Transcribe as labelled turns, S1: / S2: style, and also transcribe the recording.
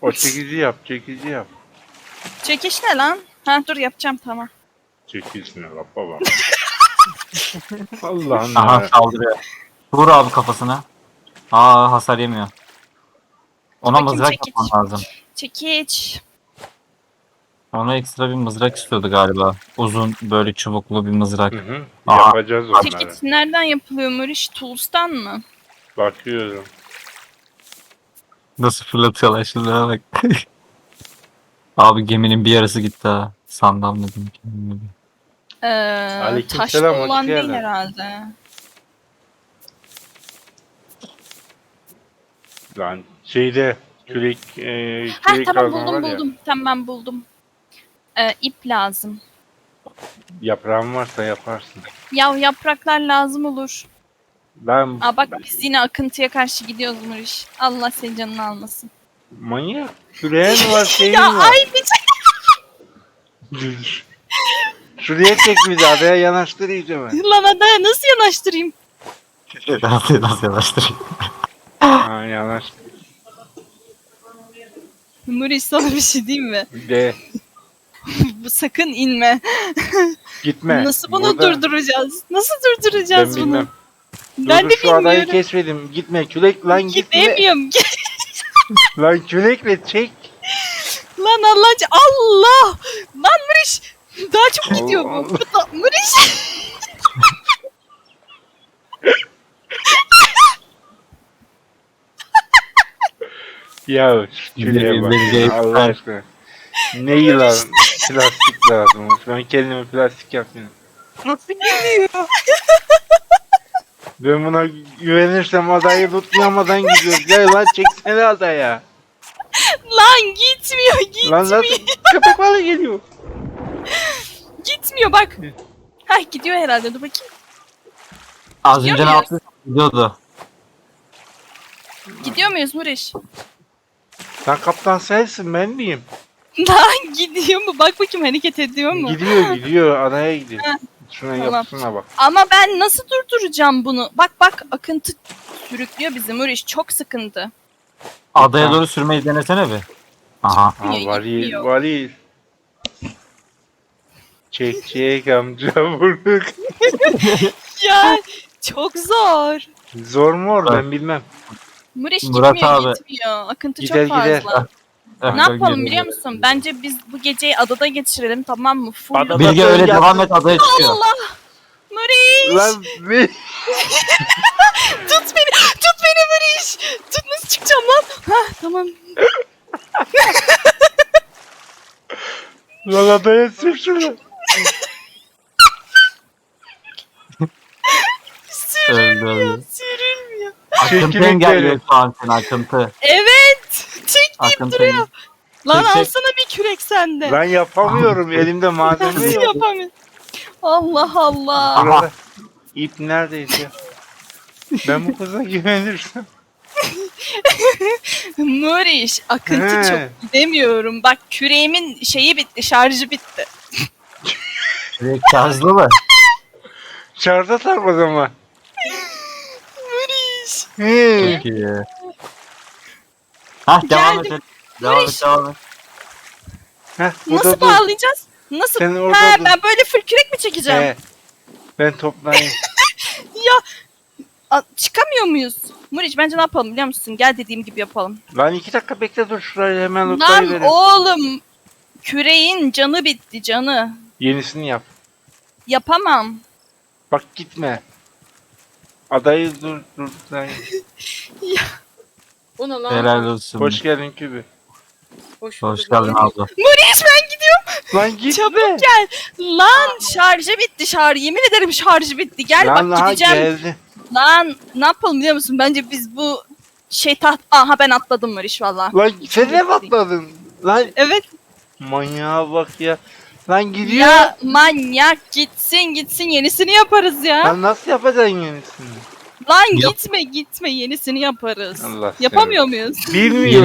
S1: O çekici yap, çekici yap.
S2: Çekiş ne lan? Ha dur yapacağım tamam.
S1: Çekici ne la baba? Allah'ım
S3: Aha
S1: ya.
S3: saldırıyor. Vur abi kafasına. Aa hasar yemiyor. Ona
S2: Bakayım,
S3: mızrak
S2: çekiç.
S3: yapman lazım.
S2: Çekiç.
S3: Ona ekstra bir mızrak istiyordu galiba. Uzun böyle çubuklu bir mızrak.
S1: Hı hı.
S3: Aa.
S1: Yapacağız onları.
S2: Çekiç nereden yapılıyor Muriş? Tools'tan mı?
S1: Bakıyorum.
S3: Nasıl fırlatıyorlar şunlara bak. Abi geminin bir yarısı gitti ha. Sandal dedim.
S1: Aleykümselam,
S2: Taşlı
S1: hoş
S2: olan değil
S1: geldin.
S2: herhalde.
S1: Lan şeyde kürek
S2: Ha
S1: kürek
S2: tamam
S1: kazma var ya.
S2: buldum. Tamam buldum. İp lazım.
S1: Yaprağın varsa yaparsın.
S2: Ya yapraklar lazım olur.
S1: Ben
S2: Aa bak biz yine akıntıya karşı gidiyoruz Muriş. Allah senin canını almasın.
S1: manyak. Küreğin var, şeyin
S2: Ya
S1: var.
S2: ay bir
S1: Şuraya çek bizi, adaya yanaştır iyice mi?
S2: lan adaya nasıl yanaştırayım?
S3: Nasıl yanaştırayım?
S1: Ha, yanaş.
S2: Muriş sana bir şey diyeyim mi?
S1: De
S2: Bu sakın inme.
S1: gitme.
S2: Nasıl bunu
S1: Burada
S2: durduracağız? Nasıl
S1: ben
S2: durduracağız bunu?
S1: bilmem.
S2: Ben
S1: Dur,
S2: de
S1: şu adayı
S2: bilmiyorum.
S1: keşfedim. Gitme kürek lan, gitme.
S2: Gidemiyorum.
S1: Lan kürekle çek.
S2: Lan Allah! Lan Muriş! Daha çok gidiyor
S1: Allah
S2: bu. Muriş!
S1: Ya şu küreğe bak
S3: Beni-
S1: ya, Allah aşkına. Ne yılan plastik lazım. Ben kendime plastik yapayım.
S2: Nasıl gidiyor?
S1: Ben buna güvenirsem adayı tutmayamadan gidiyoruz. Gel lan, çeksene adaya.
S2: Lan gitmiyor,
S1: Lan nasıl köpek balığı geliyor.
S2: gitmiyor bak. Hah gidiyor herhalde dur bakayım.
S3: Az
S2: Gidiyor
S3: önce ne
S2: muyuz?
S3: yaptı? Gidiyordu.
S2: Gidiyor muyuz Muriş?
S1: Lan kaptan sensin, ben miyim?
S2: Lan gidiyor mu? Bak bakayım hareket ediyor mu?
S1: Gidiyor adaya gidiyor.
S2: Ha,
S1: Şuna
S2: tamam.
S1: yapısına bak.
S2: Ama ben nasıl durduracağım bunu? Bak akıntı sürüklüyor bizi Muriş. Çok sıkıntı.
S3: Adaya doğru sürmeyi denesene bir. Aha.
S1: Ha, varil
S2: gitmiyor.
S1: varil. Çek amca vurduk.
S2: Ya çok zor.
S1: Zor mu or, ben bilmem.
S2: Muriş
S3: Murat
S2: gitmiyor
S3: abi.
S2: gitmiyor. Akıntı
S1: Gider,
S2: çok fazla.
S1: gider.
S2: Ne yapalım biliyor musun? Bence biz bu geceyi adada geçirelim tamam mı? Full.
S1: Adada-
S3: Bilge öyle
S1: Ya-
S3: devam et adaya çıkıyor.
S2: Allah! Muriş!
S1: Lan bir...
S2: Tut beni Muriş! Tut nasıl çıkacağım lan? Hah tamam.
S1: Lan adaya sür şunu.
S2: Sürülmüyor,
S3: Öldü.
S2: sürülmüyor.
S3: Akıntı
S1: Çekirdek
S3: engelliyor
S1: verin.
S3: şu an seni akıntı.
S2: Evet! Çek deyip
S3: Akıntı.
S2: duruyor. Lan
S3: Çek, çek.
S2: alsana bir kürek sende.
S1: Lan yapamıyorum, elimde malzeme
S2: Nasıl
S1: yok.
S2: yapamıyorum? Allah Allah.
S3: Aha.
S1: Burada ip neredeyse. Ben bu kıza güvenirsem.
S2: Muriş, akıntı
S1: He.
S2: çok gidemiyorum. Bak küreğimin şeyi bitti, şarjı bitti.
S3: Direkt şarjlı mı?
S1: Şarja tak o zaman.
S2: Muriş.
S1: He.
S3: Çok iyi. Hah devam
S2: Geldim.
S3: et. Devam et.
S1: Heh, bu
S2: Nasıl
S1: da dur.
S2: bağlayacağız? Nasıl?
S1: Sen orada
S2: Ha
S1: dur.
S2: ben böyle full kürek mi çekeceğim?
S1: He. Ben toplayayım.
S2: Ya çıkamıyor muyuz? Muriç bence ne yapalım biliyor musun? Gel dediğim gibi yapalım.
S1: Lan 2 dakika bekle, dur şurayı hemen
S2: Lan
S1: lootlayıverin.
S2: oğlum küreğin canı bitti canı.
S1: Yenisini yap.
S2: Yapamam.
S1: Bak gitme. Adayı dur. Lan.
S2: O ne
S3: Helal olsun.
S1: Hoş geldin Kübü.
S3: Hoş geldin abla.
S2: Muriç ben gidiyorum.
S1: Lan gitme.
S2: Çabuk gel. Lan şarjı bitti şarjı. Yemin ederim şarjı bitti. Gel
S1: Lan
S2: bak
S1: aha
S2: gideceğim.
S1: geldi.
S2: Lan ne yapalım biliyor musun? Bence biz bu Aha ben atladım Muriç valla.
S1: Lan sen ne patladın? Lan
S2: Evet.
S1: manyağa bak ya. Lan gidiyor.
S2: Ya manyak gitsin yenisini yaparız ya.
S1: Lan nasıl yapacaksın yenisini?
S2: Lan
S3: Yap.
S2: gitme yenisini yaparız.
S1: Allah
S2: Yapamıyor muyuz?
S1: Bilmiyorum.